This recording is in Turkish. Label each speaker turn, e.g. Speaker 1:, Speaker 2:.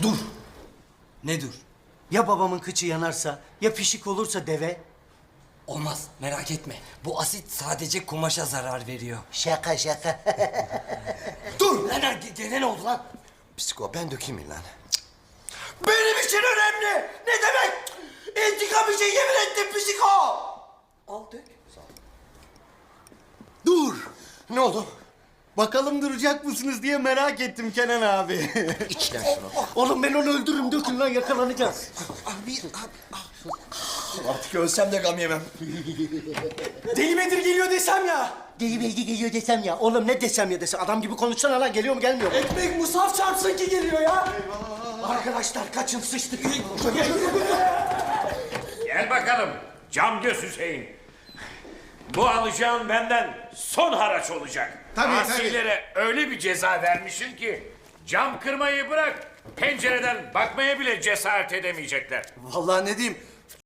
Speaker 1: Dur.
Speaker 2: Ne dur?
Speaker 1: Ya babamın kıçı yanarsa, ya pişik olursa deve?
Speaker 2: Olmaz, merak etme. Bu asit sadece kumaşa zarar veriyor.
Speaker 1: Şaka şaka.
Speaker 2: Dur! Lan gene ne oldu lan?
Speaker 3: Psiko ben dökeyim mi lan?
Speaker 1: Benim için önemli. Ne demek? İntikam için yemin ettim psiko.
Speaker 2: Al dök.
Speaker 1: Dur.
Speaker 3: Ne oldu?
Speaker 1: Bakalım duracak mısınız diye merak ettim Kenan abi.
Speaker 3: İç lan şunu.
Speaker 1: Oğlum ben onu öldürürüm. Dökün lan yakalanacağız.
Speaker 3: Artık ölsem de gam yemem.
Speaker 1: Deli Bedir geliyor desem ya. Deli Bedir geliyor desem ya. Oğlum ne desem ya desem. Adam gibi konuşsana lan. Geliyor mu gelmiyor mu?
Speaker 2: Ekmek musaf çarpsın ki geliyor ya.
Speaker 1: Arkadaşlar kaçın sıçtık.
Speaker 4: Gel bakalım cam göz Hüseyin. Bu alacağın benden son haraç olacak.
Speaker 3: Tabii,
Speaker 4: Asilere öyle bir ceza vermişim ki cam kırmayı bırak pencereden bakmaya bile cesaret edemeyecekler.
Speaker 3: Vallahi ne diyeyim?